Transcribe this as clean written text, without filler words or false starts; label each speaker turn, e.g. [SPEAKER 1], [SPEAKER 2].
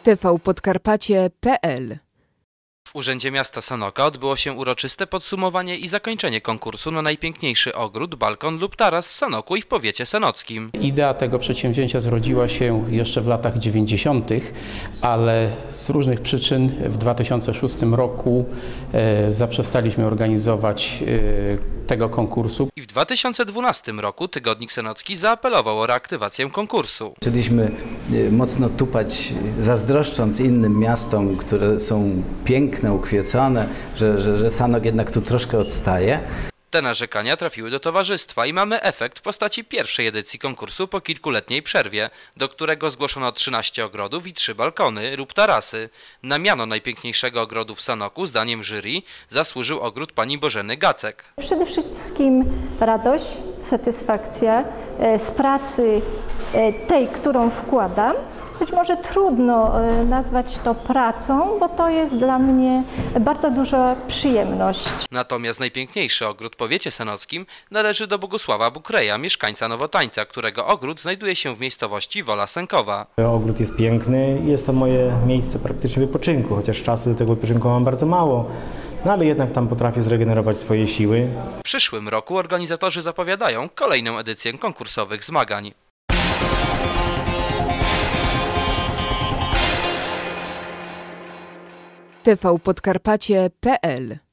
[SPEAKER 1] tvpodkarpacie.pl.
[SPEAKER 2] W Urzędzie Miasta Sanoka odbyło się uroczyste podsumowanie i zakończenie konkursu na najpiękniejszy ogród, balkon lub taras w Sanoku i w powiecie sanockim.
[SPEAKER 3] Idea tego przedsięwzięcia zrodziła się jeszcze w latach 90., ale z różnych przyczyn w 2006 roku zaprzestaliśmy organizować tego konkursu.
[SPEAKER 2] I w 2012 roku Tygodnik Sanocki zaapelował o reaktywację konkursu.
[SPEAKER 4] Zaczęliśmy mocno tupać, zazdroszcząc innym miastom, które są piękne, ukwiecone, że Sanok jednak tu troszkę odstaje.
[SPEAKER 2] Te narzekania trafiły do towarzystwa i mamy efekt w postaci pierwszej edycji konkursu po kilkuletniej przerwie, do którego zgłoszono 13 ogrodów i 3 balkony lub tarasy. Na miano najpiękniejszego ogrodu w Sanoku, zdaniem jury, zasłużył ogród pani Bożeny Gacek.
[SPEAKER 5] Przede wszystkim radość, satysfakcja z pracy tej, którą wkładam. Być może trudno nazwać to pracą, bo to jest dla mnie bardzo duża przyjemność.
[SPEAKER 2] Natomiast najpiękniejszy ogród w powiecie sanockim należy do Bogusława Bukreja, mieszkańca Nowotańca, którego ogród znajduje się w miejscowości Wola Sękowa.
[SPEAKER 6] Ogród jest piękny i jest to moje miejsce praktycznie wypoczynku, chociaż czasu do tego wypoczynku mam bardzo mało. No ale jednak tam potrafię zregenerować swoje siły.
[SPEAKER 2] W przyszłym roku organizatorzy zapowiadają kolejną edycję konkursowych zmagań.
[SPEAKER 1] tvpodkarpacie.pl